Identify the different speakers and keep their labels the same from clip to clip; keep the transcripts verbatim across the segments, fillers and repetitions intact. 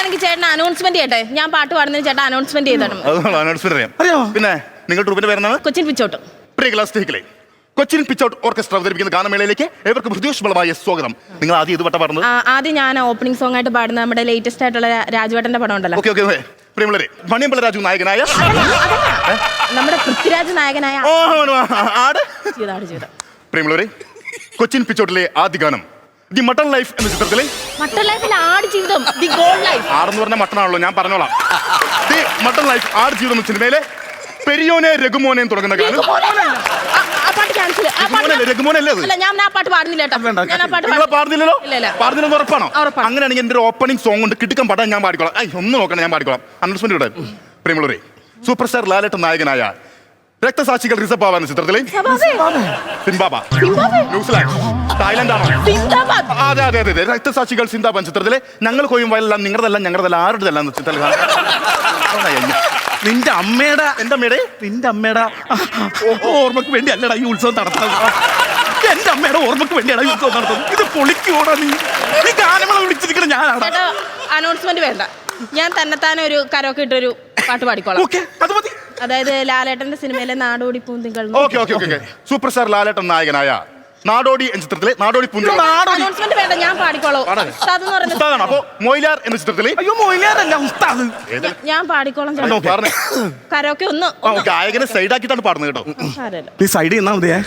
Speaker 1: അങ്ങനെയാണെങ്കിൽ ചേട്ടൻ അനൗൺസ്മെന്റ് ചെയ്യട്ടെ. ഞാൻ പാട്ട് പാടുന്നതിന് ചേട്ടൻ അനൗൺസ്മെന്റ് ചെയ്തോണം.
Speaker 2: അനൗൺസ്മെന്റ് അറിയാം. പിന്നെ നിങ്ങൾ ട്രൂപ്പിന്റെ പേരെന്താണ്?
Speaker 1: കൊച്ചിൻ പിച്ചോട്ട്.
Speaker 2: പ്രിയ ക്ലാസ് ടേക്കിലെ കൊച്ചിൻ പിച്ചൗട്ട് ഓർക്കസ്ട്ര അവതരിപ്പിക്കുന്ന ഗാനമേളയിലേക്ക് ഏവർക്കും ഹൃദയോഷ്മളമായ സ്വാഗതം. നിങ്ങൾ ആദ്യം ഇത് വട്ട പറഞ്ഞത്?
Speaker 1: ആദ്യം ഞാൻ ഓപ്പണിംഗ് സോങ് ആയിട്ട് പാടുന്ന നമ്മുടെ ലേറ്റസ്റ്റ് ആയിട്ടുള്ള രാജുവേട്ടന്റെ പടം ഉണ്ടല്ലോ.
Speaker 2: ഓക്കെ ഓക്കെ പ്രിയമുള്ളവരെ, മണിയമ്പല രാജു നായകനായ
Speaker 1: നമ്മുടെ പൃഥ്വിരാജ് നായകനായ
Speaker 2: പ്രിയമുള്ളവരെ, കൊച്ചിൻ പിച്ചൗട്ടിലെ ആദ്യ ഗാനം ദി മട്ടൺ ലൈഫ് എന്ന ചിത്രത്തിലെ
Speaker 1: മട്ടൺ ലൈഫിൽ ആട് ജീവിതം ദി ഗോൾഡ് ലൈഫ്.
Speaker 2: ആടെന്ന് പറഞ്ഞ മട്ടണാണല്ലോ, ഞാൻ പറഞ്ഞോളാം. ദി മട്ടൺ ലൈഫ് ആട് ജീവിതം എന്ന സിനിമയിലെ പെരിയോനെ രഘുമോനെ തുടങ്ങുന്ന ഗാനം. പാടുന്നില്ലെന്ന് ഉറപ്പാണോ? അങ്ങനെയാണെങ്കിൽ എന്റെ ഓപ്പണിംഗ് സോങ് കൊണ്ട് കിട്ടുക്കാൻ പാടാൻ ഞാൻ പാടിക്കോളാം. ഒന്നും നോക്കണം, ഞാൻ പാടിക്കോളാം. അനൗൺസ്മെന്റ് ഇവിടെ. പ്രിയമുള്ളവരെ, സൂപ്പർ സ്റ്റാർ ലാലേട്ടൻ നായകനായ രക്തസാക്ഷികൾ റിസർവ് എന്ന ചിത്രത്തിലെ സിംബാബ ന്യൂസിലാൻഡ് തായ്ലൻഡ് ആണോ? അതെ അതെ അതെ രക്തസാക്ഷികൾ സിന്ദാബാൻ ചിത്രത്തിലെ ഞങ്ങൾ കൊയ്യും വയലെല്ലാം നിങ്ങളുടെല്ലാം ഞങ്ങളുടെല്ലാം ആരുടെല്ലാം
Speaker 3: നിന്റെ അമ്മയുടെ
Speaker 2: എന്റെ അമ്മയുടെ
Speaker 3: നിന്റെ അമ്മയുടെ ഓർമ്മക്ക് വേണ്ടി അല്ലടാ ഈ ഉത്സവം നടത്തുന്നത്. എന്റെ അമ്മയുടെ ഓർമ്മക്ക് വേണ്ടിയാണ് ഈ ഉത്സവം നടത്തുന്നത്. ഇത് പൊളിക്കോടാ നീ. നീ ഗാനമേള വിളിച്ചിരിക്കണം ഞാനാണ്.
Speaker 1: അനൗൺസ്മെന്റ് വേണ്ട, ഞാൻ തന്നെത്താനെ ഒരു കരോക്കെ ഇട്ടൊരു പാട്ട് പാടിക്കോളാം.
Speaker 3: അത് മതി.
Speaker 1: അതായത് ലാലേട്ടന്റെ സിനിമയിലെ നാടോടി പൂന്തികൾ.
Speaker 2: Okay okay okay super star Lalettan നായകനായ നാടോടി എന്ന ചിത്രത്തിലെ നാടോടി പൂന്തികൾ.
Speaker 1: അനൗൺസ്മെന്റ് വേണ്ട, ഞാൻ പാടിക്കോളാം.
Speaker 2: അപ്പൊ മൊയിലാർ എന്ന ചിത്രത്തിലെ
Speaker 3: അയ്യോ മൊയിലാറല്ല ഉസ്താദ്,
Speaker 1: ഞാൻ പാടിക്കോളാം. കരോക്കെ ഒന്ന്
Speaker 2: ഗായകനെ സൈഡാക്കിട്ടാണ് പാടുന്നത് കേട്ടോ.
Speaker 3: നീ സൈഡ് ചെയ്യുന്നാ മതിയേ.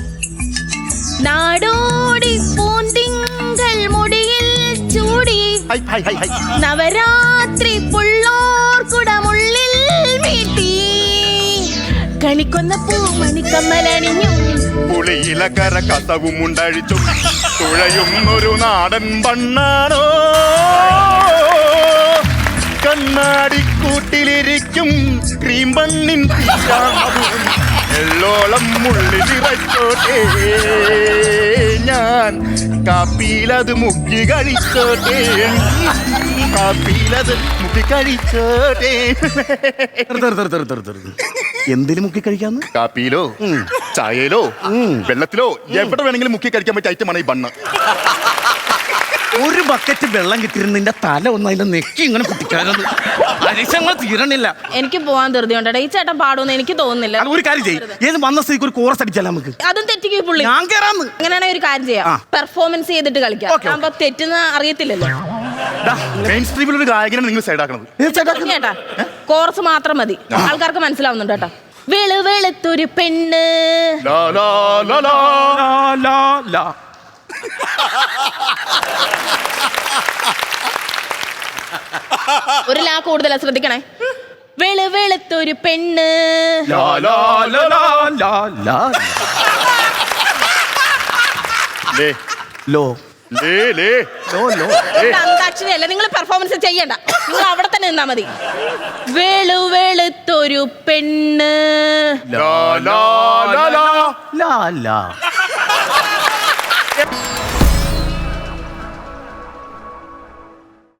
Speaker 1: നാടോടി പൂന്തിങ്കൾ മുടിയിൽ ചൂടി നവരാത്രി പുള്ളോർ കുടമുള്ളിൽ മീട്ടി കളിക്കൊന്ന പൂമണിക്കമ്മലണിഞ്ഞു
Speaker 2: പുളിയിലക്കര കസവും ഉണ്ടാഴിച്ചു തുഴയും ഒരു നാടൻ പണ്ണാണോ കണ്ണാടിക്കൂട്ടിലിരിക്കും ക്രീം പണ്ണിൻ എള്ളോളം മുള്ളിലിറച്ചോട്ടെ ഞാൻ കാപ്പിയിലത് മുക്കി കഴിച്ചോട്ടെ കാപ്പിയിലത് മുക്കി കഴിച്ചോട്ടെ.
Speaker 3: എന്തിനു മുക്കി കഴിക്കാന്ന്?
Speaker 2: കാപ്പിയിലോ ചായയിലോ വെള്ളത്തിലോ എവിടെ വേണമെങ്കിലും മുക്കി കഴിക്കാൻ പറ്റിയ ഐറ്റമാണ് ഈ ബണ്ണ്.
Speaker 3: ഒരു ബക്കറ്റ് വെള്ളം കിട്ടിയിരുന്ന നിന്റെ തല ഒന്ന് അതിന്റെ നെക്കി ഇങ്ങനെ കുട്ടിക്കാരത് അരിശങ്ങൾ തീരണില്ല.
Speaker 1: എനിക്ക് പോവാൻ ധൃതിയുണ്ടോ? ഈ ചേട്ടൻ പാടുമെന്ന് എനിക്ക് തോന്നുന്നില്ല.
Speaker 3: ഒരു കാര്യം ചെയ്യും, ഏത് വന്ന സ്ഥിതിക്ക് ഒരു കോറസ് അടിച്ചാലോ നമുക്ക്.
Speaker 1: അതും തെറ്റിക്ക് പുള്ളി.
Speaker 3: ഞാൻ കേറാന്ന്.
Speaker 1: അങ്ങനെയാണെങ്കിൽ ഒരു കാര്യം ചെയ്യാം, പെർഫോമൻസ് ചെയ്തിട്ട് കളിക്കാം. അപ്പൊ തെറ്റുന്ന അറിയത്തില്ലല്ലോ.
Speaker 2: മെയിൻ സ്ട്രീമിൽ ഒരു ഗായകനാണ് നിങ്ങൾ സൈഡാക്കണത്.
Speaker 1: ചേട്ടാ കോറസ് മാത്രം മതി, ആൾക്കാർക്ക് മനസ്സിലാവുന്നുണ്ട് കേട്ടോ. വെളു വെളുത്തൊരു പെണ്ണ് ഒരു ലാ കൂടുതലാ, ശ്രദ്ധിക്കണേ. വെളു വെളുത്തൊരു പെണ്ണ് അന്താക്ഷരിയല്ല, നിങ്ങൾ പെർഫോമൻസ് ചെയ്യണ്ട, നിങ്ങൾ അവിടെ തന്നെ നിന്നാ മതി. വെളു വെളുത്തൊരു പെണ്ണ്